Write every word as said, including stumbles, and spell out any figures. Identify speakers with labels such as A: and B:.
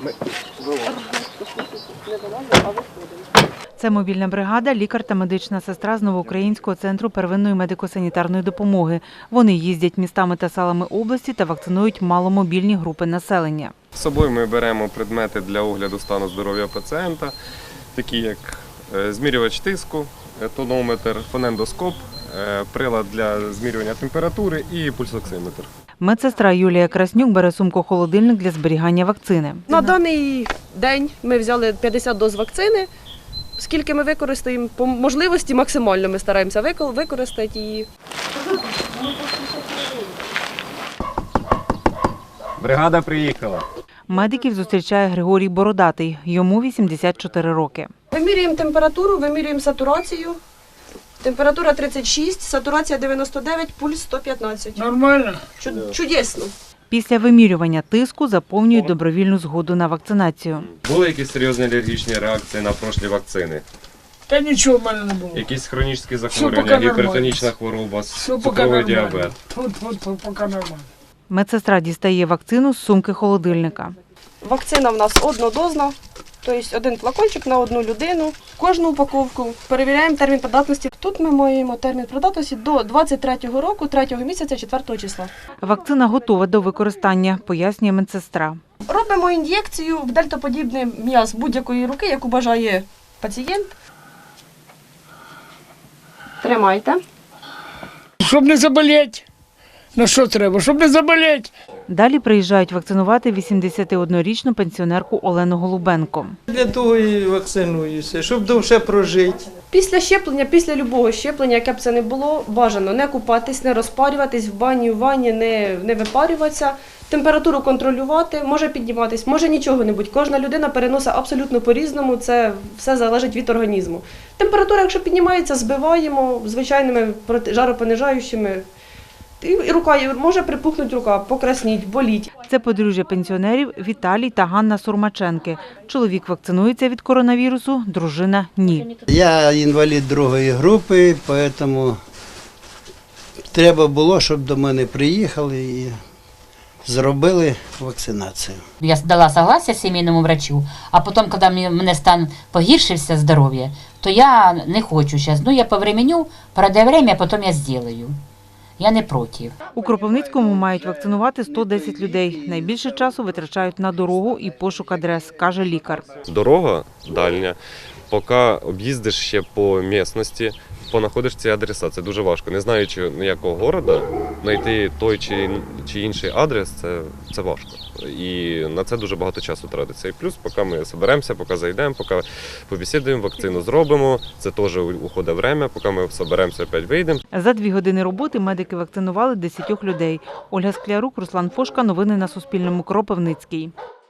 A: Це мобільна бригада, лікар та медична сестра з Новоукраїнського центру первинної медико-санітарної допомоги. Вони їздять містами та селами області та вакцинують маломобільні групи населення.
B: З собою ми беремо предмети для огляду стану здоров'я пацієнта, такі як змірювач тиску, тонометр, фонендоскоп, прилад для змірювання температури і пульсоксиметр.
A: Медсестра Юлія Краснюк бере сумку-холодильник для зберігання вакцини.
C: На даний день ми взяли п'ятдесят доз вакцини. Скільки ми використаємо, по можливості максимально ми стараємося використати її.
B: Бригада приїхала.
A: Медиків зустрічає Григорій Бородатий. Йому вісімдесят чотири роки.
C: Вимірюємо температуру, вимірюємо сатурацію. Температура тридцять шість, сатурація дев'яносто дев'ять, пульс сто п'ятнадцять.
D: Нормально?
C: Чудесно.
A: Після вимірювання тиску заповнюють добровільну згоду на вакцинацію.
B: Були якісь серйозні алергічні реакції на прошлі вакцини?
D: Та нічого в мене не було.
B: Якісь хронічні захворювання, гіпертонічна хвороба, цукровий діабет?
D: Тут, тут, тут, поки нормально.
A: Медсестра дістає вакцину з сумки холодильника.
C: Вакцина в нас однодозна, тобто один флакончик на одну людину. Кожну упаковку перевіряємо термін придатності. Тут ми маємо термін придатності до двадцять третього року, третього місяця, четвертого числа.
A: Вакцина готова до використання, пояснює медсестра.
C: Робимо ін'єкцію в дельтоподібний м'яз будь-якої руки, яку бажає пацієнт. Тримайте.
D: Щоб не заболіти. Ну що треба? Щоб не заболіти.
A: Далі приїжджають вакцинувати вісімдесятиоднорічну пенсіонерку Олену Голубенко.
E: Для того і вакцинуюся, щоб довше прожити.
C: Після щеплення, після любого щеплення, яке б це не було, бажано не купатись, не розпарюватись, в бані, в ванні не, не випарюватися, температуру контролювати, може підніматись, може нічого не бути. Кожна людина переносить абсолютно по-різному, це все залежить від організму. Температура, якщо піднімається, збиваємо звичайними жаропонижаючими. І рука, може припухнути рука, покрасніть, боліть.
A: Це подружжя пенсіонерів Віталій та Ганна Сурмаченки. Чоловік вакцинується від коронавірусу, дружина – ні.
F: Я інвалід другої групи, тому треба було, щоб до мене приїхали і зробили вакцинацію.
G: Я дала согласие сімейному врачу, а потім, коли мене стан погіршився, здоров'я, то я не хочу зараз. Ну, я повременю, пройде время, а потім я зроблю. Я не проти.
A: У Кропивницькому мають вакцинувати сто десять людей. Найбільше часу витрачають на дорогу і пошук адрес, каже лікар.
B: Дорога дальня, поки об'їздиш ще по місцевості, понаходиш ці адреса. Це дуже важко. Не знаючи ніякого міста, знайти той чи, чи інший адрес, це, це важко. І на це дуже багато часу тратиться. І плюс, поки ми зберемося, поки зайдемо, поки побесідуємо, вакцину зробимо, це теж уходить час, поки ми зберемося, опять вийдемо.
A: За дві години роботи медики вакцинували десятьох людей. Ольга Склярук, Руслан Фошка. Новини на Суспільному. Кропивницький.